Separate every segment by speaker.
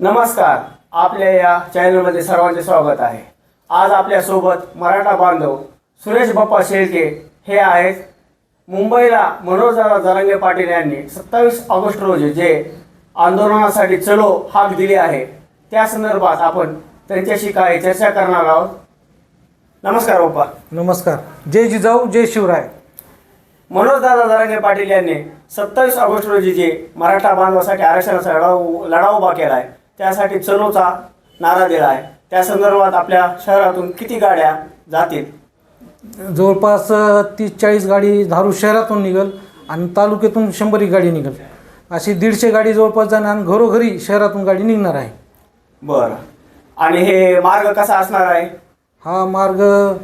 Speaker 1: नमस्कार. आपल्या या चॅनलमध्ये सर्वांचे स्वागत आहे. आज आपल्यासोबत मराठा बांधव सुरेश बाप्पा शेळके हे आहेत. मुंबईला मनोजदादा जरांगे पाटील यांनी 27 ऑगस्ट रोजी जे आंदोलनासाठी चलो हाक दिली आहे त्या संदर्भात आपण त्यांच्याशी काही चर्चा करणार आहोत. नमस्कार बाप्पा.
Speaker 2: नमस्कार. जय जिजाऊ जय शिवराय.
Speaker 1: मनोजदादा जरांगे पाटील यांनी 27 ऑगस्ट रोजी जे मराठा बांधवासाठी आरक्षणाचा लढा उभा केला आहे त्यासाठी चलोचा नारा दिला आहे. त्या संदर्भात आपल्या शहरातून किती गाड्या जातील?
Speaker 2: जवळपास 30-40 गाडी धारूर शहरातून निघल आणि तालुक्यातून 100 गाडी निघल. अशी 150 गाडी जवळपास जाणार आणि घरोघरी शहरातून गाडी निघणार आहे.
Speaker 1: बरं. आणि हे मार्ग कसा असणार आहे?
Speaker 2: हा मार्ग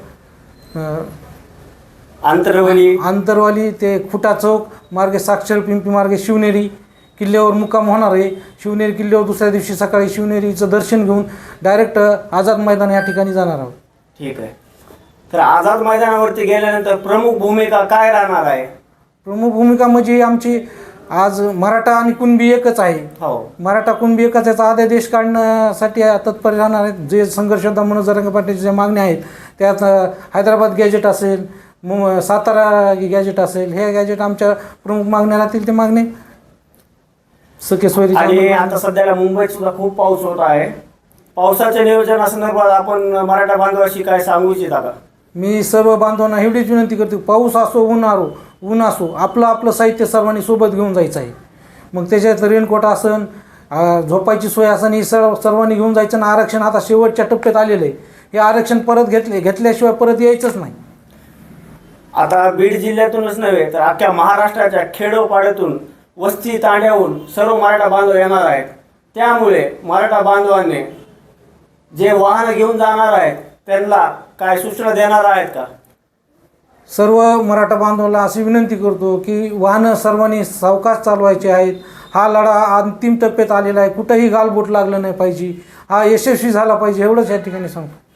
Speaker 1: आंतरवली
Speaker 2: ते खुटा चौक मार्गे साक्षर पिंपी मार्गे शिवनेरी किल्ल्यावर मुक्काम होणार आहे. शिवनेरी किल्ल्यावर दुसऱ्या दिवशी सकाळी शिवनेरीचं दर्शन घेऊन डायरेक्ट आझाद मैदान या ठिकाणी जाणार आहोत.
Speaker 1: ठीक आहे. तर आझाद मैदानावरती गेल्यानंतर प्रमुख भूमिका काय राहणार आहे?
Speaker 2: प्रमुख भूमिका म्हणजे आमची आज मराठा आणि कुणबी एकच आहे.
Speaker 1: हो,
Speaker 2: मराठा कुणबी एकच याचा अध्यादेश काढण्यासाठी तत्पर राहणार आहेत. जे संघर्ष मनोज जरांगे पाटीलच्या ज्या मागण्या आहेत त्यात हैदराबाद गॅजेट असेल, सातारा गॅजेट असेल, हे गॅजेट आमच्या प्रमुख मागण्या राहतील. ते मागणे सकेश्वरी.
Speaker 1: आणि आता सध्याला मुंबईत सुद्धा खूप पाऊस होत आहे. पावसाच्या नियोजनासंदर्भात आपण मराठा बांधवाशी काय सांगू इच्छिता का?
Speaker 2: मी सर्व बांधवांना एवढीच विनंती करतो, पाऊस असो ऊन असो आपलं साहित्य सर्वांनी सोबत घेऊन जायचं आहे. मग त्याच्यात रेनकोट असन, झोपायची सोय असन, ही सर्वांनी घेऊन जायचं. आणि आरक्षण आता शेवटच्या टप्प्यात आलेलं आहे. हे आरक्षण परत घेतल्याशिवाय परत यायचंच नाही.
Speaker 1: आता बीड जिल्ह्यातूनच नव्हे तर अख्ख्या महाराष्ट्राच्या खेडोपाड्यातून वस्ती तांड्याहून सर्व मराठा बांधव येणार आहेत. त्यामुळे मराठा बांधवांनी जे वाहन घेऊन जाणार आहेत त्यांना काय सूचना देणार आहेत का?
Speaker 2: सर्व मराठा बांधवांना अशी विनंती करतो की वाहनं सर्वांनी सावकाश चालवायचे आहेत. हा लढा अंतिम टप्प्यात आलेला आहे. कुठंही गालबोट लागलं नाही पाहिजे. हा यशस्वी झाला पाहिजे एवढंच या ठिकाणी सांगतो.